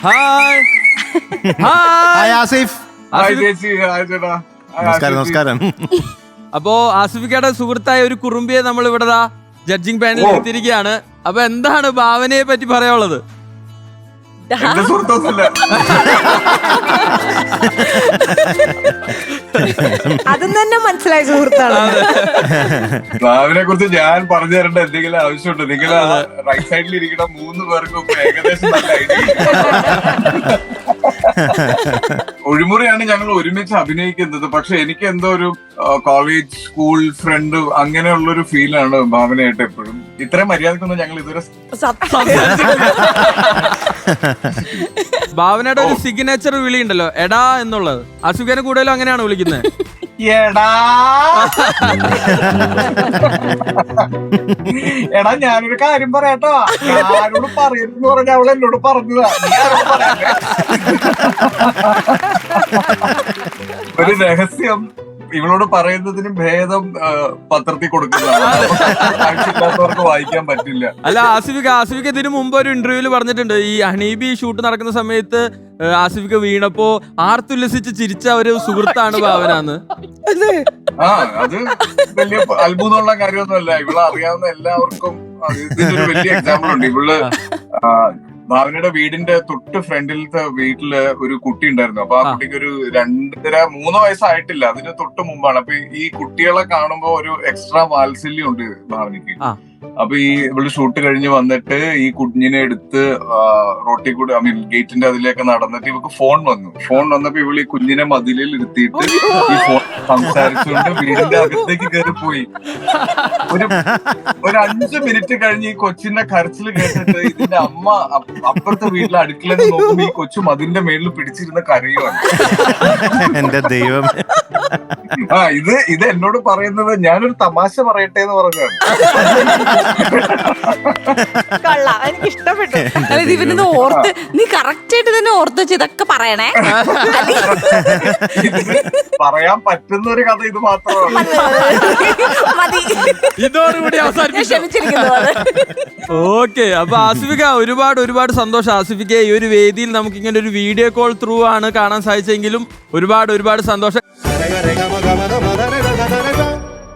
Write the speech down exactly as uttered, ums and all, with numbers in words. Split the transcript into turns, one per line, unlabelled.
Hi hi
Asif. നമസ്കാരം നമസ്കാരം.
അപ്പോ ആസിഫിക്കയുടെ സുഹൃത്തായ ഒരു കുറുമ്പിയെ നമ്മൾ ഇവിടെ ജഡ്ജിങ് പാനലിൽ എത്തിയിരിക്കുകയാണ്. അപ്പൊ എന്താണ് ഭാവനയെ പറ്റി പറയാനുള്ളത്?
അതും തന്നെ മനസ്സിലായ സുഹൃത്താണ്.
ഭാവനെ കുറിച്ച് ഞാൻ പറഞ്ഞു തരേണ്ട എന്തെങ്കിലും ആവശ്യമുണ്ട്? നിങ്ങൾ റൈറ്റ് സൈഡിൽ ഇരിക്കുന്ന മൂന്ന് പേർക്കും ഏകദേശം നല്ല ഐഡിയ. ഒഴിമുറിയാണ് ഞങ്ങൾ ഒരുമിച്ച് അഭിനയിക്കുന്നത്. പക്ഷെ എനിക്ക് എന്തോ ഒരു കോളേജ് സ്കൂൾ ഫ്രണ്ട് അങ്ങനെയുള്ളൊരു ഫീലാണ് ഭാവനയായിട്ട് എപ്പോഴും. ഇത്രയും മര്യാദക്കൊന്നും ഞങ്ങൾ ഇതുവരെ
ഭാവനയുടെ ഒരു സിഗ്നേച്ചർ വിളി ഉണ്ടല്ലോ, എടാ എന്നുള്ളത്. ആസിഫിനെ കൂടുതലും അങ്ങനെയാണ് വിളിക്കുന്നത്.
എടാ എടാ ഞാനൊരു കാര്യം പറയാട്ടോ, ഞാനോട് പറയരുതെന്ന് പറഞ്ഞ അവൾ എന്നോട് പറഞ്ഞതാ. ഒരു രഹസ്യം ഇവളോട് പറയുന്നതിന് ഭേദം പത്രത്തിൽ കൊടുക്കുന്നതാണ്. ആവശ്യമില്ലാത്തവർക്ക് വായിക്കാൻ പറ്റില്ല.
അല്ല ആസിഫിക ആസിഫിക ഇതിനു മുമ്പ് ഒരു ഇന്റർവ്യൂല് പറഞ്ഞിട്ടുണ്ട്, ഈ ഹണീബി ഷൂട്ട് നടക്കുന്ന സമയത്ത് ആസിഫിക വീണപ്പോ ആർത്തുല്ലസിച്ച് ചിരിച്ച ഒരു സുഹൃത്താണ് ഭാവനാന്ന്.
ആ അത് വലിയ അത്ഭുതമുള്ള കാര്യമൊന്നുമല്ല. ഇവളെ അറിയാവുന്ന എല്ലാവർക്കും ഇതിന്റെ വലിയ എക്സാമ്പിൾ ഉണ്ട്. ഇവള് ഭാവനയുടെ വീടിന്റെ തൊട്ട് ഫ്രണ്ടിലത്തെ വീട്ടില് ഒരു കുട്ടി ഉണ്ടായിരുന്നു. അപ്പൊ ആ കുട്ടിക്ക് ഒരു രണ്ടര മൂന്ന് വയസ്സായിട്ടില്ല, അതിന് തൊട്ട് മുമ്പാണ്. അപ്പൊ ഈ കുട്ടികളെ കാണുമ്പോ ഒരു എക്സ്ട്രാ വാത്സല്യം ഉണ്ട് ഭാവനയ്ക്ക്. അപ്പൊ ഈ ഇവള് ഷൂട്ട് കഴിഞ്ഞ് വന്നിട്ട് ഈ കുഞ്ഞിനെ എടുത്ത് റോട്ടിൽ കൂടെ ഐ മീൻ ഗേറ്റിന്റെ അതിലേക്ക് നടന്നിട്ട് ഇവക്ക് ഫോൺ വന്നു. ഫോൺ വന്നപ്പോ ഇവള് ഈ കുഞ്ഞിനെ മതിലിൽ ഇരുത്തിയിട്ട് ഈ ഫോൺ സംസാരിച്ചുകൊണ്ട് വീടിന്റെ അകത്തേക്ക് കയറി പോയി. ഒരു ഒരു അഞ്ചു മിനിറ്റ് കഴിഞ്ഞ് ഈ കൊച്ചിന്റെ കരച്ചിൽ കേട്ടിട്ട് ഇതിന്റെ അമ്മ അപ്പുറത്തെ വീട്ടിലെ അടുക്കളയിൽ നോക്കുമ്പോ ഈ കൊച്ചു മതിലിന്റെ മേളിൽ പിടിച്ചിരുന്ന കരയുവാണ്.
എന്റെ ദൈവം.
ആ ഇത് ഇത് എന്നോട് പറയുന്നത് ഞാനൊരു തമാശ പറയട്ടെ എന്ന് പറഞ്ഞാണ്.
കൊള്ളാം, എനിക്ക് ഇഷ്ടപ്പെട്ടു. അതായത് ഇവനൊന്ന് ഓർത്ത് നീ കറക്റ്റ് ആയിട്ട് തന്നെ ഓർത്ത് വെച്ച് ഇതൊക്കെ പറയണേ.
പറയാൻ പറ്റുന്ന ഒരു കഥ ഇത് മാത്രമാണ്.
ഇതോടുകൂടി ഓക്കെ. അപ്പൊ ആസിഫിക ഒരുപാട് ഒരുപാട് സന്തോഷം. ആസിഫിക്ക ഈ ഒരു വേദിയിൽ നമുക്ക് ഇങ്ങനെ ഒരു വീഡിയോ കോൾ ത്രൂ ആണ് കാണാൻ സാധിച്ചെങ്കിലും ഒരുപാട് ഒരുപാട് സന്തോഷം.